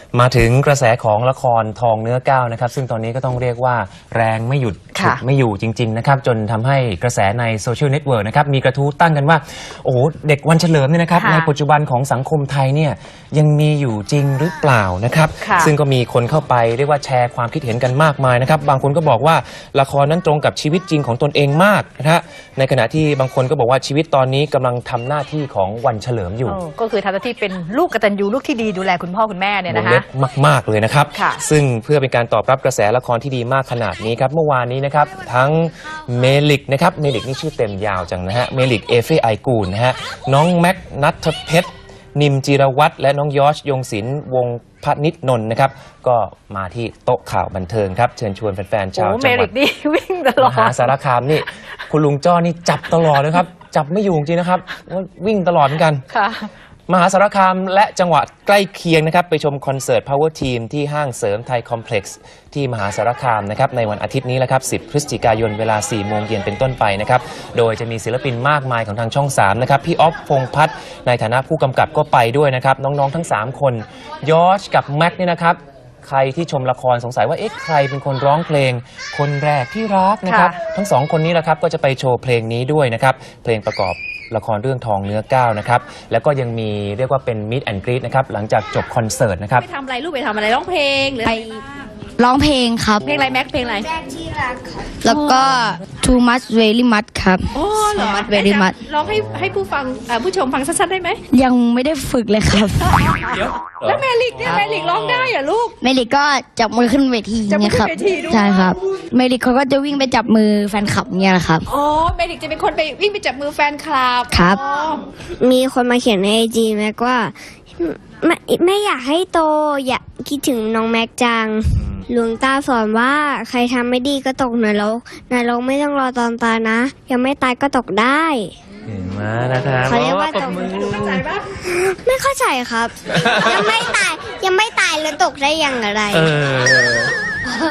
มาถึงกระแสของละครทองเนื้อก้าวนะครับซึ่งตอนนี้ก็ต้องเรียกว่าแรงไม่หยุดฉุดไม่อยู่จริงๆนะครับจนทำให้กระแสในโซเชียลเน็ตเวิร์กนะครับมีกระทู้ตั้งกันว่าโอ้โหเด็กวันเฉลิมเนี่ยนะครับในปัจจุบันของสังคมไทยเนี่ยยังมีอยู่จริงหรือเปล่านะครับซึ่งก็มีคนเข้าไปเรียกว่าแชร์ความคิดเห็นกันมากมายนะครับบางคนก็บอกว่าละครนั้นตรงกับชีวิตจริงของตนเองมากนะฮะในขณะที่บางคนก็บอกว่าชีวิตตอนนี้กำลังทำหน้าที่ของวันเฉลิมอยู่ก็คือทำหน้าที่เป็นลูกกตัญญูลูกที่ดีดูแลคุณพ่อคุณแม่เนี่ยนะคะมากเลยนะครับซึ่งเพื่อเป็นการตอบรับกระแสละครที่ดีมากขนาดนี้ครับเมื่อวานนี้นะครับทั้งเมลิกนะครับเมลิกนี่ชื่อเต็มยาวจังนะฮะเมลิกเอเฟไอกูลนะฮะน้องแม็กนัทเพชรนิมจิรวัตรและน้องยอชยงศิลป์วงพนิชนนท์นะครับก็มาที่โต๊ะข่าวบันเทิงครับเชิญชวนแฟนๆชาวจังหวัดมหาสารคามนี่คุณลุงจ้อนี่จับตลอดเลยครับจับไม่อยู่จริงนะครับวิ่งตลอดเหมือนกันมหาสารคามและจังหวัดใกล้เคียงนะครับไปชมคอนเสิร์ต Power Team ที่ห้างเสริมไทยคอมเพล็กซ์ที่มหาสารคามนะครับในวันอาทิตย์นี้แหละครับ10 พฤศจิกายนเวลา 4 โมงเย็นเป็นต้นไปนะครับโดยจะมีศิลปินมากมายของทางช่อง 3 นะครับพี่อ๊อฟพงษ์พัฒน์ในฐานะผู้กำกับก็ไปด้วยนะครับน้องๆทั้ง 3 คนยอชกับแม็กเนี่ยนะครับใครที่ชมละครสงสัยว่าเอ๊ะใครเป็นคนร้องเพลงคนแรกที่รักนะครับทั้ง2คนนี้แหละครับก็จะไปโชว์เพลงนี้ด้วยนะครับเพลงประกอบละครเรื่องทองเนื้อก้าวนะครับแล้วก็ยังมีเรียกว่าเป็นมิตแอนด์กรีตนะครับหลังจากจบคอนเสิร์ตนะครับไปทำอะไรลูกไปทำอะไรร้องเพลงหรือไปร้องเพลงครับเพลงอะไรแม็กเพลงอะไรแรกที่รักครับแล้วก็ too much very much ครับโอ้เหรอ too much very much ร้องให้ผู้ฟังผู้ชมฟังสั้นๆได้ไหมยังไม่ได้ฝึกเลยครับแล้วเมลิกเนี่ยเมลิกร้องได้เหรอลูกเมลิกก็จับมือขึ้นเวทีเนี่ยครับใช่ครับเมลิกเขาก็จะวิ่งไปจับมือแฟนคลับเนี่ยแหละครับอ๋อเมลิกจะเป็นคนไปวิ่งไปจับมือแฟนคลับครับมีคนมาเขียนในไอจีแม็กว่าไม่อยากให้โตอยากคิดถึงน้องแม็กจังหลวงตาสอนว่าใครทำไม่ดีก็ตกนรกไม่ต้องรอตอนตายนะยังไม่ตายก็ตกได้มานะครับเขาเรียกว่าตกไม่เข้าใจครับ ยังไม่ตายแล้วตกได้อย่างไร